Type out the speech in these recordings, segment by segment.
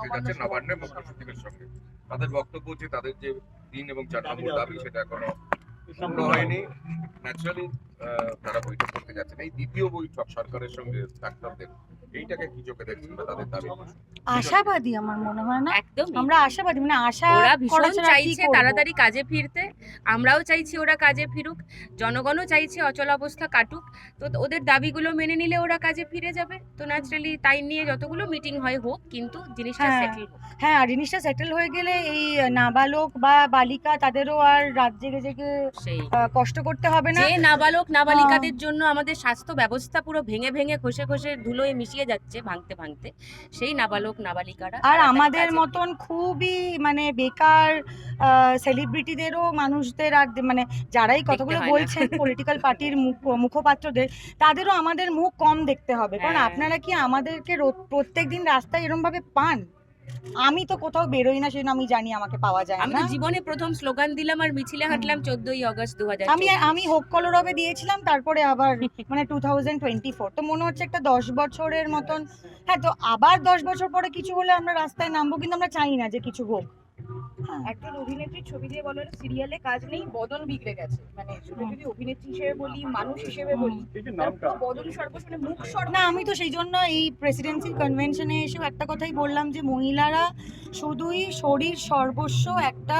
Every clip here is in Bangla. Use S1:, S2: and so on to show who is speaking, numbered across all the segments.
S1: বসতে যাচ্ছে নবান্নের মুখ্য সচিবের সঙ্গে। তাদের বক্তব্য যে তাদের যে 3 এবং 4 নম্বর দাবি সেটা এখনো পূর্ণ হয়নি। ন্যাচারালি তারা বৈঠক করতে যাচ্ছেন। এই দ্বিতীয় বৈঠক সরকারের সঙ্গে ডাক্তারদের, এইটাকে কি চোখে দেখছেন বা তাদের দাবি?
S2: আশাবাদী আমার মনে হয় না,
S3: একদমই
S2: আমরা আশাবাদী, মানে আশা
S3: ওরা
S2: করা
S3: ভীষণ
S2: ছাড়া আর কি
S3: চাইছে
S2: করব?
S3: তাড়াতাড়ি কাজে ফিরতে। আমরাও চাইছি ওরা কাজে ফিরুক, জনগণও চাইছে অচল অবস্থা কাটুক। তো ওদের দাবিগুলো মেনে নিলে ওরা কাজে ফিরে যাবে। তো ন্যাচারালি তাই নিয়ে যতগুলো মিটিং হয় হোক, কিন্তু জিনিসটা
S2: হ্যাঁ
S3: সেটেল হোক।
S2: হ্যাঁ, আর জিনিসটা সেটেল হয়ে গেলে এই নাবালক বা বালিকা তাদেরও আর রাত জেগে জেগে
S3: সেই
S2: কষ্ট করতে হবে না।
S3: যে নাবালক নাবালিকাদের জন্য আমাদের স্বাস্থ্য ব্যবস্থা পুরো ভেঙে ভেঙে খসে খসে ধুলোয় মিশিয়ে যাচ্ছে ভাঙতে ভাঙতে, সেই নাবালক নাবালিকারা
S2: আর
S3: তাড়াতাড়ি
S2: আমাদের
S3: কাজে
S2: মতন খুবই মানে বেকার সেলিব্রিটিদেরও, মানুষদের আর মানে যারাই কথাগুলো
S3: হয় না।
S2: বলছেন পলিটিক্যাল পার্টির মুখপাত্রদের, তাদেরও আমাদের মুখ কম দেখতে হবে। কারণ
S3: হ্যাঁ।
S2: আপনারা কি আমাদেরকে প্রত্যেকদিন রাস্তায় এরম ভাবে পান? আমি তো কোথাও বেরোই না, সেজন্য আমি জানি আমাকে পাওয়া যায়
S3: আমি
S2: না।
S3: তো জীবনে প্রথম স্লোগান দিলাম আর মিছিলে হাঁটলাম 14ই আগস্ট
S2: আমি
S3: 2024।
S2: আমি হোক কলরবে দিয়েছিলাম, তারপরে আবার মানে 2024 তো মনে হচ্ছে একটা 10 বছরের মতন। হ্যাঁ, তো আবার 10 বছর পরে কিছু হলে আমরা রাস্তায় নামবো, কিন্তু আমরা চাই না যে কিছু হোক।
S4: একজন অভিনেত্রীর ছবি দিয়ে বলো সিরিয়ালে কাজ নেই, বদন বিগড়ে গেছে। মানে শুধু যদি অভিনেত্রী হিসেবে বলি, মানুষ হিসেবে বলি, বদন সর্বশনে মুখ
S2: না, আমি তো সেই জন্য এই প্রেসিডেন্সি কনভেনশনে এসেও একটা কথাই বললাম যে মহিলারা শুধুই শরীর সর্বস্ব একটা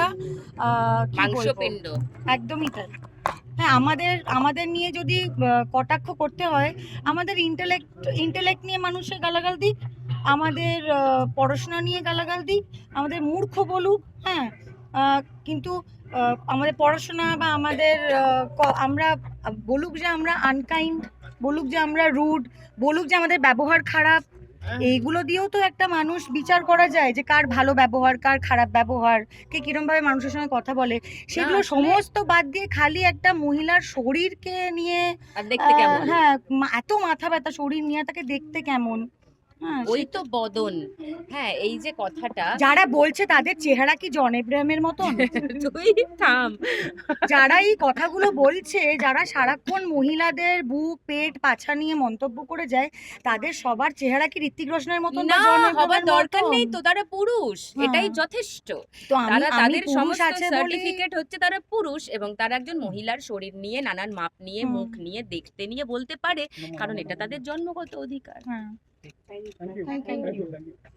S2: কি বলবো,
S3: মাংসপিণ্ড।
S2: একদমই তাই। হ্যাঁ, আমাদের নিয়ে যদি কটাক্ষ করতে হয়, আমাদের ইন্টেলেক্ট নিয়ে মানুষের গালাগাল দিক, আমাদের পড়াশোনা নিয়ে গালাগাল দিক, আমাদের মূর্খ বলুক, হ্যাঁ, কিন্তু আমাদের পড়াশোনা বা আমাদের আমরা বলুক যে আমরা আনকাইন্ড, বলুক যে আমরা রুড, বলুক যে আমাদের ব্যবহার খারাপ, এইগুলো দিয়েও তো একটা মানুষ বিচার করা যায় যে কার ভালো ব্যবহার, কার খারাপ ব্যবহার, কে কিরম ভাবে মানুষের সঙ্গে কথা বলে। সেগুলো
S3: আসলে-
S2: সমস্ত বাদ দিয়ে খালি একটা মহিলার শরীরকে নিয়ে
S3: আর দেখতে কেমন?
S2: হ্যাঁ, এত মাথা ব্যথা শরীর নিয়ে, তাকে দেখতে কেমন? হ্যাঁ,
S3: ওই তো বদন। হ্যাঁ, এই যে কথাটা
S2: যারা বলছে তাদের চেহারা কি জন এব্রাহামের মতন?
S3: তুই থাম।
S2: যারা এই কথাগুলো বলছে, যারা সারাক্ষণ মহিলাদের বুক পেট পাছা নিয়ে মন্তব্য করে যায়, তাদের সবার চেহারা কি ঋত্বিক রোশনের মতন বা
S3: না,
S2: জন
S3: হবার
S2: এব্রাহামের
S3: দরকার
S2: মতন?
S3: নেই তো, তারা পুরুষ,
S2: হ্যাঁ।
S3: এটাই যথেষ্ট।
S2: তো আমি
S3: তারা
S2: আমি
S3: তাদের
S2: পুরুষ
S3: সমস্ত
S2: আছে বলে
S3: সার্টিফিকেট হচ্ছে তারা পুরুষ, এবং তারা একজন মহিলার শরীর নিয়ে, নানান মাপ নিয়ে, মুখ নিয়ে, দেখতে নিয়ে বলতে পারে, কারণ এটা তাদের জন্মগত অধিকার।
S2: হ্যাঁ,
S4: থ্যাংক ইউ।